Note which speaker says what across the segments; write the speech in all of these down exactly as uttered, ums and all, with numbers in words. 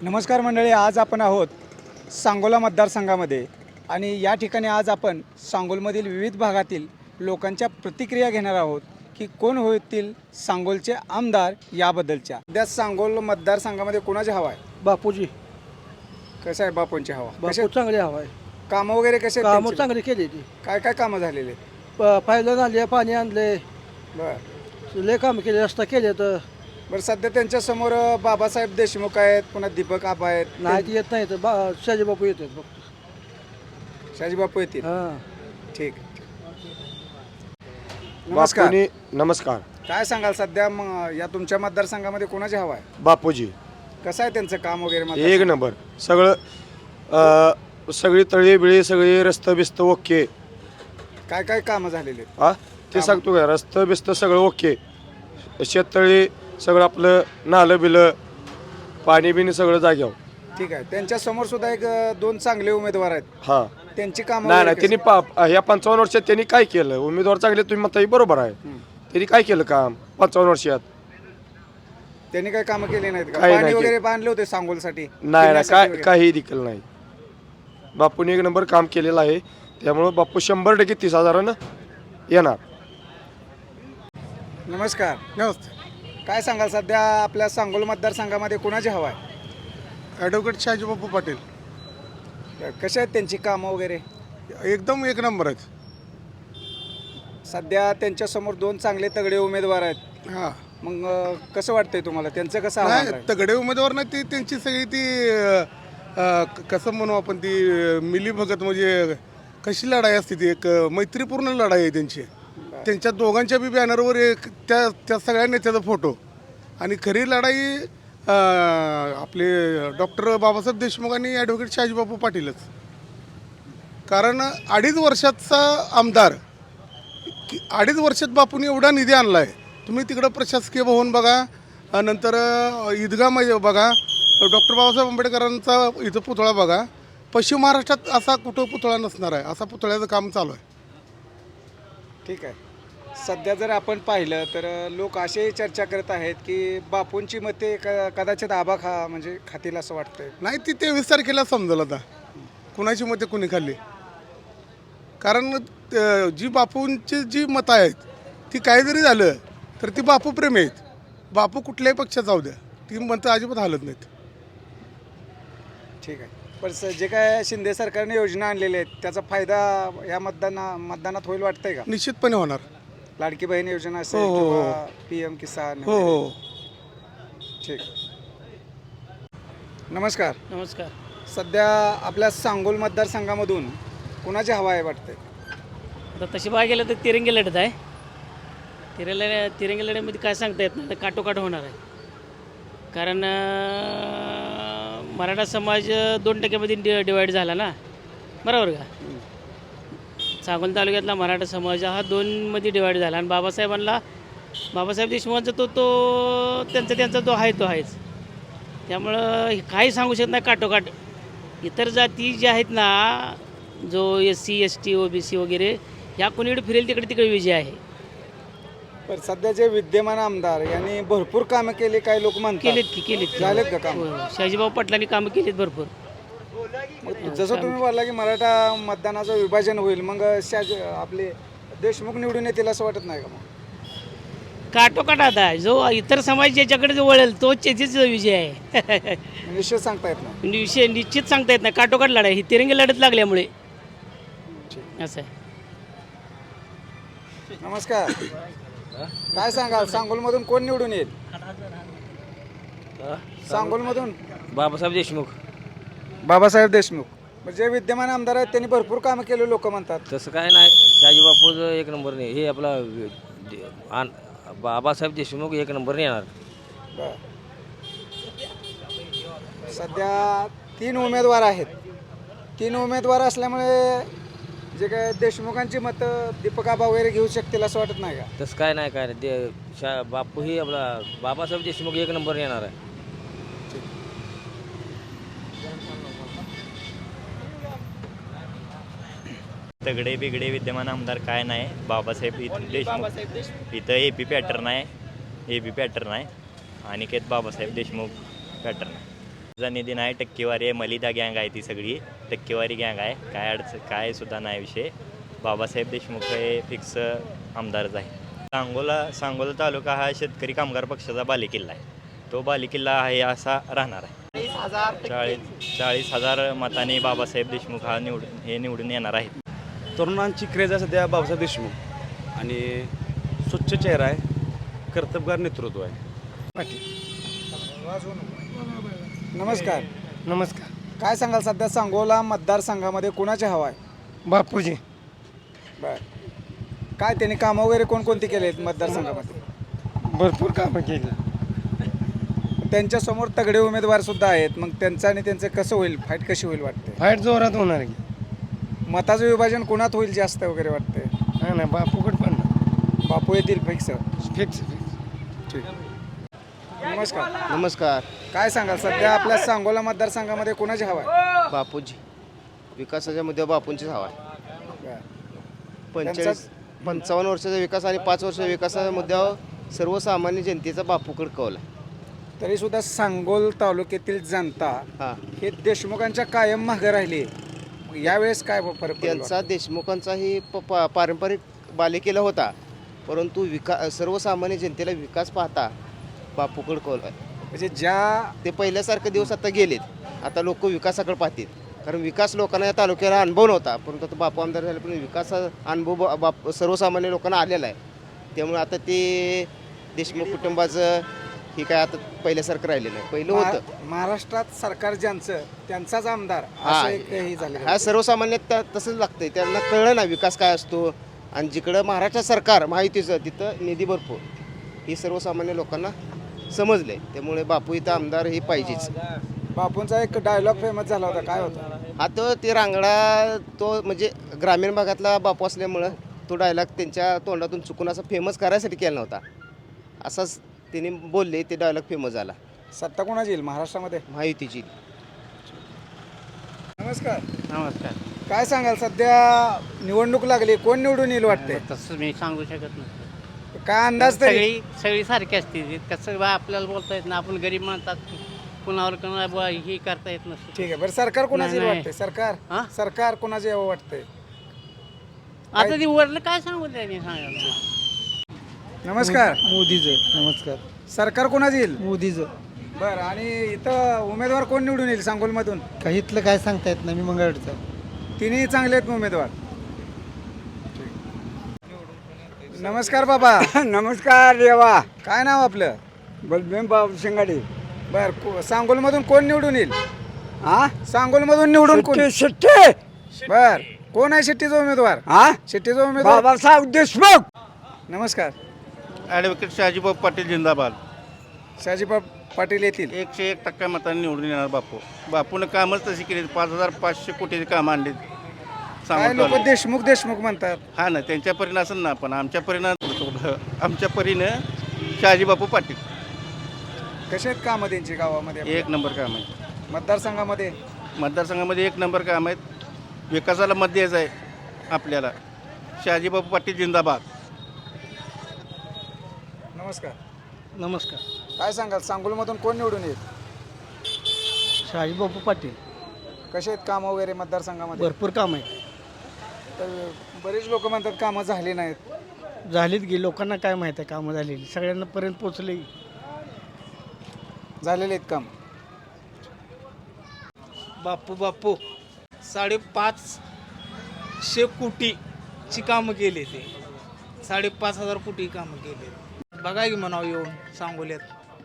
Speaker 1: नमस्कार मंडळी, आज आपण आहोत सांगोला मतदारसंघामध्ये आणि या ठिकाणी आज आपण सांगोलमधील विविध भागातील लोकांच्या प्रतिक्रिया घेणार आहोत की कोण होतील सांगोलचे आमदार याबद्दलच्या. सध्या सांगोल मतदारसंघामध्ये कोणाची हवा आहे?
Speaker 2: बापूजी.
Speaker 1: कसं आहे बापूंची हवा?
Speaker 2: बापू चांगले हवा आहे.
Speaker 1: कामं वगैरे कसे आहेत
Speaker 2: कामं
Speaker 1: त्यांची?
Speaker 2: चांगली केली ती.
Speaker 1: काय काय कामं झालेले?
Speaker 2: पाहिलं आणले, पाणी आणले,
Speaker 1: बरं
Speaker 2: लय काम केले, रस्ता केले तर
Speaker 1: बरं सध्या त्यांच्यासमोर बाबासाहेब देशमुख आहेत, पुन्हा दीपक आबा आहेत.
Speaker 2: नाही ते येत नाही तर बा शाजी बापू येतात फक्त.
Speaker 1: शाजी बापू येतील.
Speaker 2: हां.
Speaker 1: ठीक. नमस्कार.
Speaker 3: बापूनी नमस्कार.
Speaker 1: काय सांगाल सध्या मग या तुमच्या मतदारसंघामध्ये कोणाची हवा आहे?
Speaker 3: बापूजी
Speaker 1: कसं आहे त्यांचं काम वगैरे?
Speaker 3: एक
Speaker 1: मतदारसंघ?
Speaker 3: नंबर. सगळं अ, सगळी तळी बिळी सगळी रस्तं बिस्त ओके.
Speaker 1: काय काय कामं झालेले आहेत?
Speaker 3: हा ते सांगतो का, रस्तं बिस्त सगळं ओके. शेततळी सगळं आपलं नालं बिलं पाणी बिणी सगळं जाग्यावर.
Speaker 1: ठीक आहे. त्यांच्या समोर सुद्धा एक अ, दोन चांगले उमेदवार आहेत.
Speaker 3: हा
Speaker 1: त्यांची कामं
Speaker 3: नाही नाही
Speaker 1: वगैरे
Speaker 3: त्यांनी पा ह्या पंचावन्न वर्षात त्यांनी काय केलं? उमेदवार चांगले तुम्ही म्हणता बरोबर आहे. त्यांनी काय केलं काम पंचावन्न वर्षात?
Speaker 1: कशी- त्यांनी काय कामं केली नाहीत का?
Speaker 3: काही
Speaker 1: पाणी
Speaker 3: नाही
Speaker 1: वगैरे बांधले होते सांगोलसाठी?
Speaker 3: नाही नाही
Speaker 1: पिण्यासाठी
Speaker 3: काय
Speaker 1: वगैरे?
Speaker 3: काही देखील नाही. बापूने एक नंबर काम केलेलं आहे, त्यामुळं बापू शंभर टक्के तीस हजारानं येणार.
Speaker 1: नमस्कार.
Speaker 4: नमस्ते.
Speaker 1: काय सांगाल सध्या आपल्या सांगोल मतदारसंघामध्ये कोणाची हवा आहे?
Speaker 4: ॲडव्होकेट शाजीबापू पाटील
Speaker 1: कशा आहेत त्यांची कामं वगैरे?
Speaker 4: एकदम एक नंबर आहेत.
Speaker 1: सध्या त्यांच्या समोर दोन चांगले तगडे उमेदवार आहेत.
Speaker 4: हां.
Speaker 1: मग अ, कसं वाटतंय तुम्हाला त्यांचं कसं आव्हान
Speaker 4: नाही
Speaker 1: राहील?
Speaker 4: तगडे उमेदवार नाही, ती त्यांची सगळी ती अ, अ, क- कसं म्हणू आपण, ती अ, मिलीभगत म्हणजे कशी लढाई असते ती, एक अ, मैत्रीपूर्ण लढाई आहे त्यांची. त्यांच्या दोघांच्या बी बॅनरवर एक त्या त्या सगळ्या नेत्याचा फोटो. आणि खरी लढाई अ, आपले डॉक्टर बाबासाहेब देशमुख आणि ॲडव्होकेट शाजीबापू पाटीलच. कारण अडीच वर्षाचा आमदार, की अडीच वर्षात बापूंनी एवढा निधी आणला आहे. तुम्ही तिकडं प्रशासकीय भवन बघा, अ, नंतर अ, ईदगाह मध्ये बघा, डॉक्टर बाबासाहेब आंबेडकरांचा इथं पुतळा बघा. पश्चिम महाराष्ट्रात असा कुठं पुतळा नसणार आहे, असा पुतळ्याचं काम चालू आहे.
Speaker 1: ठीक आहे. सध्या जर आपण पाहिलं तर लोक असे चर्चा करत आहेत की बापूंची मते क कदाचित आबा खा म्हणजे खातील असं वाटतंय.
Speaker 4: नाही, ती तेवीस तारखेला समजेल आता कुणाची मते कुणी खाल्ली. कारण अ, जी बापूंची जी मतं आहेत ती काही जरी झालं तर ती बापू प्रेमी आहेत. बापू कुठल्याही पक्षात जाऊ द्या, ती मतं अजिबात हालत नाहीत.
Speaker 1: ठीक आहे. पण स- जे काय शिंदे सरकारने योजना आणलेल्या आहेत त्याचा फायदा या मतदाना मतदानात होईल वाटतंय का?
Speaker 4: निश्चितपणे होणार.
Speaker 1: लाडकी बहीण योजना असेल
Speaker 4: हो, हो, हो.
Speaker 1: किंवा पी एम किसान
Speaker 4: हो
Speaker 1: वगैरे.
Speaker 4: हो.
Speaker 1: ठीक. नमस्कार.
Speaker 2: नमस्कार.
Speaker 1: सध्या आपल्या सांगोल मतदारसंघामधून कुणाची हवा आहे वाटतंय?
Speaker 5: आता तशी बघायला गेलं तर तिरंगी लढत आहे. तिरंगी तिरंगी लढ्यामध्ये काय सांगता येत नाही, तर काटोकाट होणार आहे. कारण अं, मराठा समाज दोन टक्क्यामध्ये डि डिवाईड झाला ना, बरोबर का? सांगोल तालुक्यातला मराठा समाज हा दोनमध्ये डिवाईड झाला आणि बाबासाहेबांना बाबासाहेब देशमुखांचा तो तो त्यांचा त्यांचा तो आहे तो आहेच. त्यामुळं हे काही सांगू शकत नाही काटोकाट. इतर जाती ज्या आहेत ना, जो S C S T O B C वगैरे, ह्या कोणीकडे फिरेल तिकडे तिकडे विजय आहे.
Speaker 1: पण सध्या जे विद्यमान आमदार यांनी भरपूर कामं केली, काही लोक म्हणतात.
Speaker 5: केलेत की केलेत की.
Speaker 1: झालेत का काम?
Speaker 5: होय, होय. शहाजीभाऊ पाटलांनी कामं केलीत भरपूर.
Speaker 1: मग जसं तुम्ही बोलला की मराठा मतदानाचं विभाजन होईल, मग शाज आपले देशमुख निवडून येतील असं वाटत नाही का? मग
Speaker 5: काटोकाट आता जो इतर समाज ज्याच्याकडे जो वळेल तो त्याचीच विजय आहे.
Speaker 1: निश्चित सांगता येत नाही.
Speaker 5: विषय निश्चित सांगता येत नाही. काटोकाट लढाई ही तिरंगी लढत लागल्यामुळे असं आहे.
Speaker 1: नमस्कार. काय सांगाल सांगोलमधून कोण निवडून येईल? सांगोलमधून
Speaker 6: बाबासाहेब देशमुख.
Speaker 1: बाबासाहेब देशमुख. म्हणजे विद्यमान आमदार आहेत त्यांनी भरपूर कामं केले लोक म्हणतात.
Speaker 6: तसं काय नाही, शाजीबापूचं एक नंबर नाही, हे आपला जे- आन- बाबासाहेब देशमुख एक नंबर येणार.
Speaker 1: बरं. सध्या तीन उमेदवार आहेत. तीन उमेदवार असल्यामुळे जे काय देशमुखांची मतं दीपक आबा वगैरे घेऊ शकतील असं वाटत नाही का?
Speaker 6: तसं काय नाही काय नाही ते शा बापू ही आपला बाबासाहेब देशमुख एक नंबर येणार आहे.
Speaker 7: तगडे बिगडे विद्यमान आमदार काय नाही. बाबासाहेब इथं देशमुख इथं ए पी पॅटर्न आहे, ए पी पॅटर्न आहे, अनिकेत बाबासाहेब देशमुख पॅटर्न आहे. जा निधी नाही, टक्केवारी आहे, मलिदा गँग आहे, ती सगळी टक्केवारी गँग आहे. काय अडचण काय सुद्धा नाही विषय. बाबासाहेब देशमुख हे फिक्स आमदारच आहे. सांगोला सांगोला तालुका हा शेतकरी कामगार पक्षाचा बालेकिल्ला आहे. तो बालेकिल्ला आहे असा राहणार आहे. चाळीस चाळीस हजार मताने बाबासाहेब देशमुख हा निवडून हे निवडून येणार आहेत.
Speaker 8: तरुणांची क्रेज आहे सध्या बाबासाहेब देशमुख आणि स्वच्छ चेहरा आहे, कर्तबगार नेतृत्व आहे.
Speaker 1: नमस्कार.
Speaker 9: नमस्कार.
Speaker 1: काय सांगाल सध्या सांगोला मतदारसंघामध्ये कुणाची हवा आहे?
Speaker 9: बापूजी.
Speaker 1: बर, काय त्यांनी कामं वगैरे कोणकोणती केले आहेत मतदारसंघामध्ये?
Speaker 9: भरपूर कामं केली.
Speaker 1: त्यांच्यासमोर तगडे उमेदवार सुद्धा आहेत. मग त्यांचं आणि त्यांचं कसं होईल, फाईट कशी होईल वाटते?
Speaker 9: फाईट जोरात होणार की.
Speaker 1: मताचं विभाजन कुणात होईल जास्त वगैरे वाटते?
Speaker 9: हा ना, बापूकड पण
Speaker 1: बापू येतील फिक्स.
Speaker 9: Fix fix.
Speaker 1: ठीक. नमस्कार.
Speaker 10: नमस्कार.
Speaker 1: काय सांगाल सध्या आपल्या सांगोला मतदारसंघामध्ये कुणाची हवा आहे?
Speaker 10: बापूजी. विकासाच्या मुद्द्यावर बापूंचीच हवा आहे. पंचेचाळीस पंचावन्न वर्षाचा विकास आणि पाच वर्षाच्या विकासाच्या मुद्द्यावर सर्वसामान्य जनतेचा बापूकड कौल आहे.
Speaker 1: तरी सुद्धा सांगोल तालुक्यातील जनता
Speaker 10: हां,
Speaker 1: हे देशमुखांच्या कायम मागे राहिली. मग यावेळेस काय फरक पडेल?
Speaker 10: त्यांचा देशमुखांचाही प पा पारंपरिक बालेकिल्ला होता, परंतु विका सर्वसामान्य जनतेला विकास पाहता बापूकड कौल आहे.
Speaker 1: म्हणजे ज्या
Speaker 10: ते पहिल्यासारखे दिवस आता गेलेत. आता लोक विकासाकडे पाहतील, कारण विकास लोकांना या तालुक्याला अनुभव नव्हता, परंतु आता बापू आमदार झाले पण विकासा अनुभव बा- बाप सर्वसामान्य लोकांना आलेला आहे. त्यामुळे आता ते देशमुख कुटुंबाचं ही काय आता पहिल्यासारखं राहिलेलं नाही. पहिलं होतं.
Speaker 1: महा- महाराष्ट्रात सरकार ज्यांचं त्यांचाच आमदार
Speaker 10: हा,
Speaker 1: असं एक हे झालं.
Speaker 10: हा सर्वसामान्य त्या- तसंच लागतंय. त्यांना कळलं ना विकास काय असतो. आणि जिकडं महाराष्ट्र सरकार माहितीचं तिथं निधी भरपूर ही सर्वसामान्य लोकांना समजले. त्यामुळे बापू इथं आमदार हे पाहिजेच.
Speaker 1: बापूंचा एक डायलॉग फेमस झाला होता, काय होता?
Speaker 10: हा तो ते रांगडा तो म्हणजे ग्रामीण भागातला बापू असल्यामुळं तो डायलॉग त्यांच्या तोंडातून चुकून असा फेमस करायसाठी केला नव्हता. असाच त्यांनी बोलले, ते डायलॉग फेमस झाला.
Speaker 1: सत्ता कोणाची येईल महाराष्ट्रामध्ये?
Speaker 10: महायुतीची.
Speaker 1: नमस्कार.
Speaker 9: नमस्कार.
Speaker 1: काय सांगाल सध्या निवडणूक लागली, कोण निवडून येईल वाटते?
Speaker 9: तसं मी सांगू शकत नाही.
Speaker 1: काय अंदाज तरी?
Speaker 9: सगळी सगळी सारखी असते. कसं बा आपल्याला बोलता येत ना, आपण गरीब म्हणतात कुणावर कुणा बुवा ही करता येत नसते.
Speaker 1: ठीक आहे. बरं, सरकार कोणाचं येईल
Speaker 9: नाही,
Speaker 1: वाटते? सरकार
Speaker 9: हा?
Speaker 1: सरकार कोणाचं यावं वाटतंय?
Speaker 9: आता ती वरलं काय सांगू त्यांनी सांगायला.
Speaker 1: नमस्कार.
Speaker 2: मोदीचं. नमस्कार.
Speaker 1: सरकार कोणाचं येईल?
Speaker 2: मोदीचं.
Speaker 1: बरं, आणि इथं उमेदवार कोण निवडून येईल सांगोलमधून?
Speaker 2: काही इथलं काय सांगता येत नाही. मी मंगळवारचं.
Speaker 1: तिन्ही चांगले आहेत उमेदवार. नमस्कार बाबा.
Speaker 2: नमस्कार देवा.
Speaker 1: काय नाव आपलं?
Speaker 2: बलभीम बाबू शिंगाडे.
Speaker 1: बर, सांगोलमधून कोण निवडून येईल?
Speaker 2: हा,
Speaker 1: सांगोलमधून निवडून कोण?
Speaker 2: शिट्टे.
Speaker 1: बर, कोण आहे शेट्टीचा उमेदवार?
Speaker 2: हा,
Speaker 1: शेट्टीचा उमेदवार.
Speaker 2: बाबासाहेब देशमुख.
Speaker 1: नमस्कार.
Speaker 8: ॲडव्होकेट शहाजीबाब पाटील जिंदाबाद.
Speaker 1: शहाजीबा पाटील येतील.
Speaker 8: एकशे एक टक्का मतांनी निवडून येणार बापू. बापूनं कामच तशी केली. पाच हजार पाचशे कोटीची कामं आणली.
Speaker 1: काय लोक देशमुख देशमुख म्हणतात.
Speaker 8: हा ना, त्यांच्या परीनं असेल ना, पण आमच्या परीनं आमच्या परीनं शहाजी बापू पाटील
Speaker 1: कसे आहेत कामं त्यांची गावामध्ये?
Speaker 8: एक नंबर काम आहे.
Speaker 1: मतदारसंघामध्ये
Speaker 8: मतदारसंघामध्ये एक नंबर काम आहेत. विकासाला मत द्यायचं आहे आपल्याला. शहाजी बापू पाटील जिंदाबाद.
Speaker 1: नमस्कार.
Speaker 2: नमस्कार.
Speaker 1: काय सांगाल सांगोलमधून कोण निवडून येईल?
Speaker 2: शहाजीबापू पाटील.
Speaker 1: कसे आहेत कामं वगैरे मतदारसंघामध्ये?
Speaker 2: भरपूर काम आहे.
Speaker 1: तर बरेच लोक म्हणतात कामं झाली नाहीत.
Speaker 2: झालीत गे. लोकांना काय माहीत आहे कामं झालेली. सगळ्यांना पर्यंत पोचले.
Speaker 1: झालेले आहेत काम.
Speaker 11: बापू बापू साडेपाचशे कोटीची कामं केले. ते साडेपाच हजार कोटी कामं केले. बघा की म्हणावं येऊन सांगोल्यात.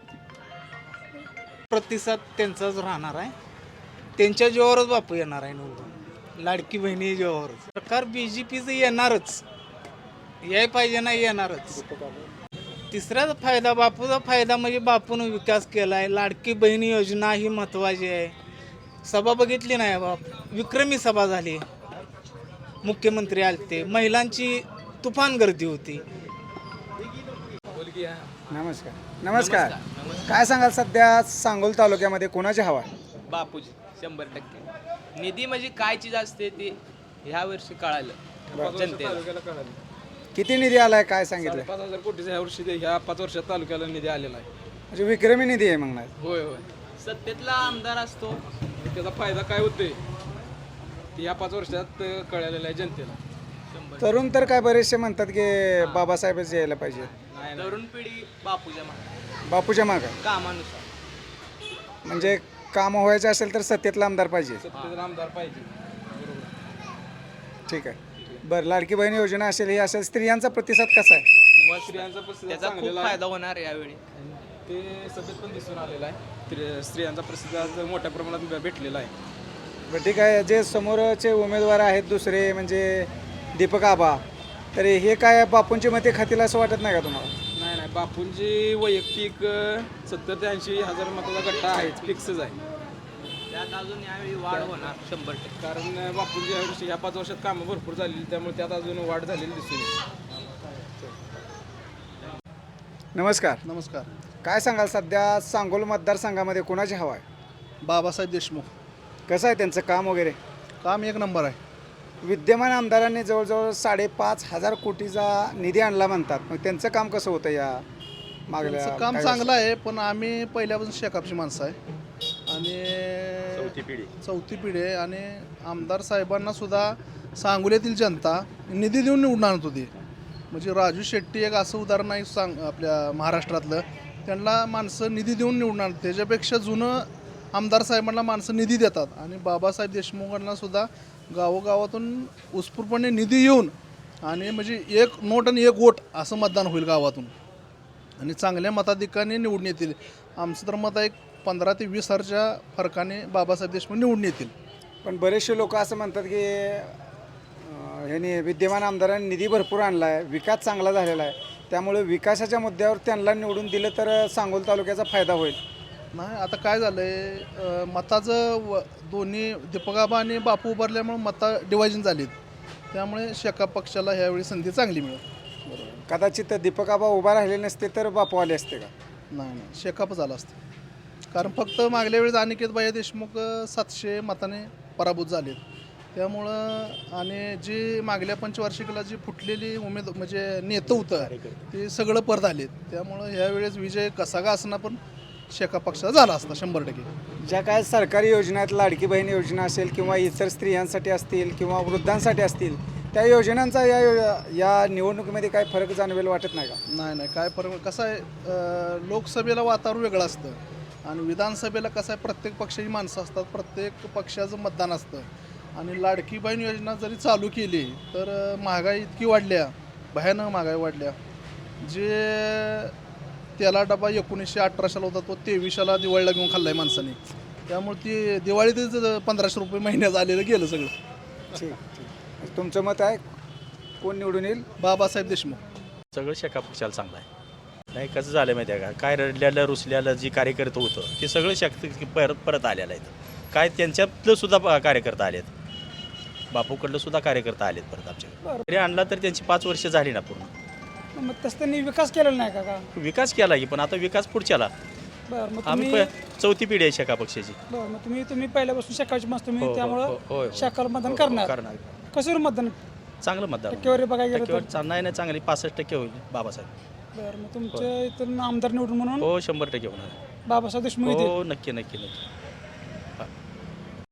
Speaker 11: प्रतिसाद त्यांचाच राहणार आहे. त्यांच्या जीवावरच बापू येणार आहे निवडून. लाडकी बहिणी जीवावरच. सरकार बी जे पीचं येणारच. याय पाहिजे नाही येणारच. तिसऱ्याच फायदा बापूचा फायदा म्हणजे बापून विकास केला आहे. लाडकी बहिणी योजना ही महत्त्वाची आहे. सभा बघितली नाही बाप, विक्रमी सभा झाली. मुख्यमंत्री आलते. महिलांची तुफान गर्दी होती.
Speaker 1: नमस्कार. नमस्कार. काय सांगाल सध्या सांगोल तालुक्यामध्ये कोणाची हवा आहे?
Speaker 12: बापूजी शंभर टक्के. निधी म्हणजे काय चीज असते ते ह्या वर्षी कळालं जनतेला.
Speaker 1: किती निधी आलाय काय सांगितलं?
Speaker 12: पाच हजार कोटीचा ह्या वर्षी ह्या पाच वर्षात तालुक्याला निधी आलेला आहे.
Speaker 1: म्हणजे विक्रमी निधी आहे म्हणणार.
Speaker 12: होय होय. सत्तेतला आमदार असतो.
Speaker 8: त्याचा फायदा काय होतोय ते या पाच वर्षात कळलेलं आहे जनतेला.
Speaker 1: तरुण तर काय बरेचसे म्हणतात की बाबासाहेबच यायला पाहिजे,
Speaker 12: तरुण पिढी बापूच्या मागे
Speaker 1: बापूच्या मागं.
Speaker 12: कामानुसार.
Speaker 1: म्हणजे काम व्हायचं असेल तर सत्तेतला आमदार पाहिजे.
Speaker 8: सत्तेतला आमदार पाहिजे.
Speaker 1: ठीक आहे. बरं, लाडकी बहीण योजना असेल, हे असेल, स्त्रियांचा प्रतिसाद कसा आहे?
Speaker 12: मग
Speaker 8: स्त्रियांचा प्रतिसाद
Speaker 12: त्याचा खूप
Speaker 8: चांगलेला आहे.
Speaker 12: फायदा होणार यावेळी.
Speaker 8: ते सभेत पण दिसून आलेलं आहे. स्त्री- स्त्रियांचा प्रतिसाद मोठ्या प्रमाणात भेटलेला आहे.
Speaker 1: बरं, ठीक आहे. जे समोरचे उमेदवार आहेत दुसरे म्हणजे दीपक आबा, तर हे काय बापूंची मते खातील असं वाटत नाही का तुम्हाला?
Speaker 8: नाही नाही बापूंची वैयक्तिक सत्तर ते ऐंशी हजार मताचा गट्टा आहेच, फिक्सच आहे.
Speaker 12: त्यात अजून यावेळी वाढ होणार शंभर टक्के.
Speaker 8: कारण बापूंची या वर्षी या पाच वर्षात कामं भरपूर झालेली, त्यामुळे त्यात अजून वाढ झालेली दिसून येते.
Speaker 1: नमस्कार.
Speaker 2: नमस्कार.
Speaker 1: काय सांगाल, सध्या सांगोल मतदारसंघामध्ये कोणाची हवा आहे?
Speaker 2: बाबासाहेब देशमुख.
Speaker 1: कसं आहे त्यांचं काम वगैरे?
Speaker 2: काम एक नंबर आहे.
Speaker 1: विद्यमान आमदारांनी जवळजवळ साडेपाच हजार कोटीचा निधी आणला म्हणतात, मग त्यांचं काम कसं होतं या मागल्या
Speaker 2: त्यांचं काम
Speaker 1: काही
Speaker 2: चांगलं आहे, पण आम्ही पहिल्यापासून शेकापची माणसं आहे आणि
Speaker 7: चौथी पिढी
Speaker 2: चौथी पिढी आहे. आणि आमदार साहेबांना सुद्धा सांगोल्यातील जनता निधी देऊन निवडून आणत होती. म्हणजे राजू शेट्टी एक असं उदाहरण आहे सांग आपल्या महाराष्ट्रातलं, त्यांना माणसं निधी देऊन निवडून आणतात. त्याच्यापेक्षा जुनं आमदार साहेबांना माणसं निधी देतात. आणि बाबासाहेब देशमुखांना सुद्धा गावोगावातून उत्स्फूर्तपणे निधी येऊन आणि म्हणजे एक नोट आणि एक वोट असं मतदान होईल गावातून आणि चांगल्या मताधिकाने निवडून येतील. आमचं तर मत आहे पंधरा ते वीस हजारच्या फरकाने बाबासाहेब देशमुख निवडून येतील.
Speaker 1: पण बरेचसे लोक असं म्हणतात की अं, ह्यांनी विद्यमान आमदारांनी निधी भरपूर आणला आहे, विकास चांगला झालेला आहे, त्यामुळे विकासाच्या मुद्द्यावर त्यांना निवडून दिलं तर सांगोल तालुक्याचा फायदा होईल.
Speaker 2: नाही, आता काय झालं आहे, मताचं व दोन्ही दीपकाबा आणि बापू उभारल्यामुळे मतं डिवायजन झालीत, त्यामुळे शेका पक्षाला ह्यावेळी संधी चांगली मिळेल.
Speaker 1: कदाचित दीपक आबा उभा राहिले नसते तर बापू आले असते का?
Speaker 2: नाही नाही शेकाप झालं असतं. कारण फक्त मागल्या वेळेस अनिकेत भाई देशमुख सातशे मताने पराभूत झालेत, त्यामुळं आणि जी मागल्या पंचवार्षिकला जी फुटलेली उमेद म्हणजे नेतं होतं ते सगळं परत आलेत, त्यामुळं ह्यावेळेस विजय कसा का असणार पण शेका पक्षाचा झाला असता शंभर टक्के.
Speaker 1: ज्या काय सरकारी योजना आहेत, लाडकी बहीण योजना असेल किंवा इतर स्त्रियांसाठी असतील किंवा वृद्धांसाठी असतील, त्या योजनांचा या या निवडणुकीमध्ये काय फरक जाणवेल वाटत नाही का?
Speaker 2: नाही नाही काय फरक कसं आहे, अं, लोकसभेला वातावरण वेगळं असतं आणि विधानसभेला कसं आहे प्रत्येक पक्षाची माणसं असतात, प्रत्येक पक्षाचं मतदान असतं. आणि लाडकी बहीण योजना जरी चालू केली तर अं, महागाई इतकी वाढल्या, भयानक महागाई वाढल्या. जे त्याला डबा एकोणीसशे अठराशेला होता तो तेवीसशेला दिवाळीला घेऊन खाल्ला आहे माणसाने, त्यामुळे ती दिवाळीतच पंधराशे रुपये महिन्यात आलेलं गेलं सगळं.
Speaker 1: ठीक ठीक. तुमचं मत आहे कोण निवडून येईल?
Speaker 2: बाबासाहेब देशमुख.
Speaker 13: सगळं शेका पक्षाला चांगलं आहे. नाही कसं झालं माहिती आहे का, काय रडल्यालं रुसल्यालं जी कार्यकर्ते होतं ते सगळं शक्ती परत परत आलेलं आहे. काय त्यांच्यातलं सुद्धा कार्यकर्ता आलेत, बापूकडलं सुद्धा कार्यकर्ता आलेत परत आमच्याकडे. तरी आणला तर त्यांची पाच वर्ष झाली ना पूर्ण.
Speaker 1: मग तसं त्यांनी विकास केलेला नाही का? का
Speaker 13: विकास केला की, पण आता विकास पुढच्याला.
Speaker 1: बरं, मग
Speaker 13: आम्ही
Speaker 1: तुम्ही
Speaker 13: प- चौथी पिढी आहे शेका पक्षाची.
Speaker 1: बरं, मग तुम्ही तुम्ही पहिल्यापासून शाखाची मस्त तुम्ही
Speaker 13: हो, हो,
Speaker 1: त्यामुळं
Speaker 13: हो, हो, हो.
Speaker 1: शाखाला मतदान
Speaker 13: हो,
Speaker 1: करणार.
Speaker 13: करणार.
Speaker 1: कशावर मतदान?
Speaker 13: चांगलं मतदान
Speaker 1: टक्केवारी बघायला गेलं
Speaker 13: टक्केवारी
Speaker 1: तर?
Speaker 13: चा- नाही नाही चांगली पासष्ट टक्के होईल बाबासाहेब.
Speaker 1: बरं, मग तुमच्या इथून आमदार निवडून म्हणून
Speaker 13: हो शंभर टक्के होणार.
Speaker 1: बाबासाहेब देशमुख येतील.
Speaker 13: हो नक्की नक्की नक्की.